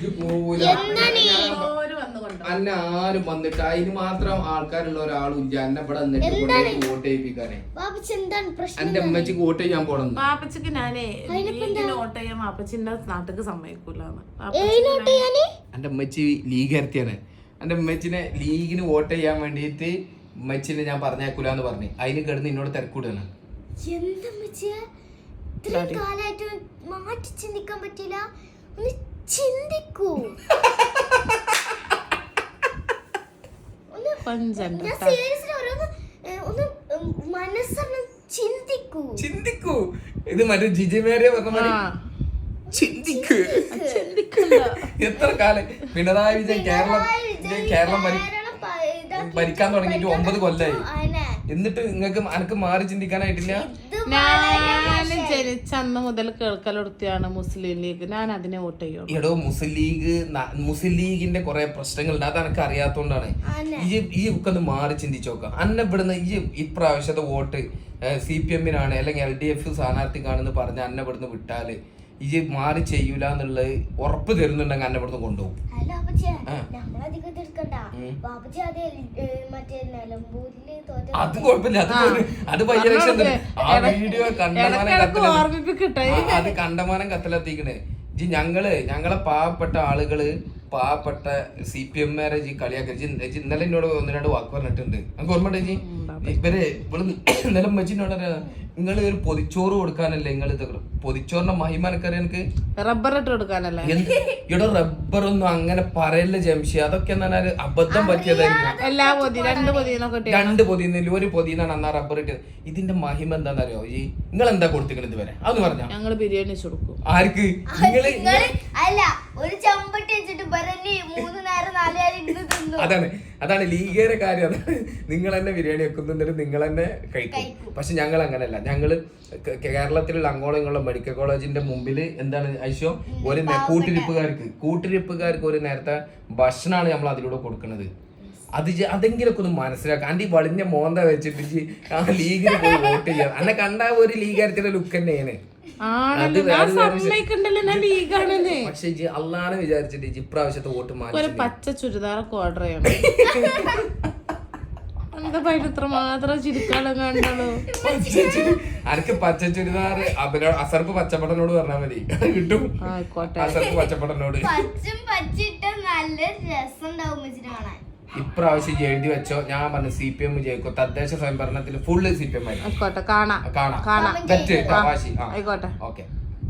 അന്നെ ആരും വന്നിട്ട് അതിന് മാത്രം ആൾക്കാരുള്ള ഒരാളും ഇല്ല. എന്നെ ഇവിടെ വന്നിട്ട് വോട്ട് ചെയ്യിപ്പിക്കാനേ. എന്റെ അമ്മച്ചിക്ക് വോട്ട് ചെയ്യാൻ പോണം. പാപ്പച്ചിക്ക് ഞാനേ വോട്ട് ചെയ്യാൻ പാപ്പച്ചിന്റെ നാട്ടിക്ക് സമ്മതിക്കൂലാണ്. എന്റെ അമ്മച്ചി ലീഗ് ഇറത്തിയാണ്. എന്റെ അമ്മച്ചിനെ ലീഗിന് വോട്ട് ചെയ്യാൻ വേണ്ടിയിട്ട് അമ്മച്ചിനെ ഞാൻ പറഞ്ഞേക്കൂലെന്ന് പറഞ്ഞു. അതിന് കിടന്ന് എന്നോട് തിരക്കൂടാണ്. മാറ്റി ചിന്തിക്കാൻ പറ്റില്ല. ഒന്ന് ചിന്തിക്കൂ. ചിന്തിക്കൂ. ഇത് മറ്റേ ജിജിമേരെ പറഞ്ഞ ചിന്തിക്ക്. എത്ര കാലം പിണറായി വിജയൻ കേരളം ഭരിക്കാൻ തുടങ്ങിയിട്ട് 9 കൊല്ലായി. എന്നിട്ട് നിങ്ങൾക്ക് അനക്ക് മാറി ചിന്തിക്കാനായിട്ടില്ല. ഞാൻ ജനിച്ച അന്ന് മുതൽ കേൾക്കലെടുത്തിയാണ് മുസ്ലിം ലീഗ്. ഞാൻ അതിനെ വോട്ട് ചെയ്യും. എടോ മുസ്ലിം ലീഗിന്റെ കുറെ പ്രശ്നങ്ങളുണ്ട്. അത് എനക്ക് അറിയാത്തോണ്ടാണ്. ഈ ഒക്കെ ഒന്ന് മാറി ചിന്തിച്ചു നോക്കാം. അന്നെ ഇവിടുന്ന് ഈ ഇപ്രാവശ്യത്തെ വോട്ട് CPM-നാണ് അല്ലെങ്കിൽ LDF സ്ഥാനാർത്ഥിക്കാണെന്ന് പറഞ്ഞ അന്നെ ഇവിടുന്ന് വിട്ടാല് ഈ മാറി ചെയ്യൂല എന്നുള്ളത് ഉറപ്പ് തരുന്നുണ്ടെങ്കിൽ അന്നെ ഇവിടുന്ന് കൊണ്ടുപോകും. അത് കുഴപ്പമില്ല. അത് ആ വീഡിയോ കണ്ടമാനം കത്തിലെത്തിക്കണേ. ഞങ്ങളെ പാവപ്പെട്ട ആളുകള് പാവപ്പെട്ട CPM-മാരെ കളിയാക്കി. ഇന്നലെ എന്നോട് 1-2 വാക്ക് പറഞ്ഞിട്ടുണ്ട്. നമുക്ക് ഓർമ്മ ജി ഇവര് ഇന്നലെ മച്ചിനോട് നിങ്ങൾ ഒരു പൊതിച്ചോറ് കൊടുക്കാനല്ലേ നിങ്ങൾ ഇത് പൊതിച്ചോറിന്റെ മഹിമ എനിക്കറിയാം. എനിക്ക് റബ്ബർ ഇട്ട് കൊടുക്കാനല്ലേ. ഇവിടെ റബ്ബറൊന്നും അങ്ങനെ പറയല്ലേ ജംഷി. അതൊക്കെ എന്താ അബദ്ധം പറ്റിയതായിരിക്കും. 2 പൊതിന്നില്ല 1 പൊതിന്നാണ് അന്നാ റബ്ബർ ഇട്ടത്. ഇതിന്റെ മഹിമ എന്താണെന്നറിയോ? ഈ നിങ്ങൾ എന്താ കൊടുത്തിക്കണത് ഇതുവരെ അതൊന്ന് പറഞ്ഞാ. ഞങ്ങള് ബിരിയാണി കൊടുക്കും. ആർക്ക്? അതാണ് ലീഗേരെ കാര്യം. അതാണ് നിങ്ങൾ തന്നെ ബിരിയാണി വെക്കുന്നുണ്ടെങ്കിൽ നിങ്ങൾ തന്നെ കഴിക്കും. പക്ഷെ ഞങ്ങൾ അങ്ങനെയല്ല. ഞങ്ങള് കേരളത്തിലുള്ള അങ്ങോളങ്ങളുള്ള മെഡിക്കൽ കോളേജിന്റെ മുമ്പിൽ എന്താണ് ഐശോ ഒരു കൂട്ടിരിപ്പുകാർക്ക് ഒരു നേരത്തെ ഭക്ഷണമാണ് നമ്മൾ അതിലൂടെ കൊടുക്കുന്നത്. അതെങ്കിലൊക്കെ ഒന്ന് മനസ്സിലാക്കാം. ആന്റി വളിഞ്ഞ മോന്ത വെച്ചിട്ട് ആ ലീഗിന് പോയി വോട്ട് ചെയ്യാം. അന്നെ കണ്ട ഒരു ലീഗാരത്തിന്റെ ലുക്ക് തന്നെയാണ്. പക്ഷെ അള്ളാണ് വിചാരിച്ചിട്ട് ഇപ്രാവശ്യത്തെ വോട്ട് മാറ്റി പച്ച ചുരിദാറൊക്കെ ഓർഡർ ചെയ്യണം. ഇത്ര മാത്രം ചിരിക്കാനും കണ്ടോ. അനക്ക് പച്ച ചുരിദാർ അസർപ്പ് പച്ചപ്പടനോട് പറഞ്ഞാൽ മതി, കിട്ടും. അസർപ്പ് പച്ചപ്പടനോട് ഇപ്രാവശ്യം എഴുതി വെച്ചോ. ഞാൻ പറഞ്ഞു CPM ജയിക്കും. തദ്ദേശ സ്വയംഭരണത്തിൽ ഫുള്ള് CPM ആയി. കാണാം. തെറ്റ് വാശി. ഓക്കെ.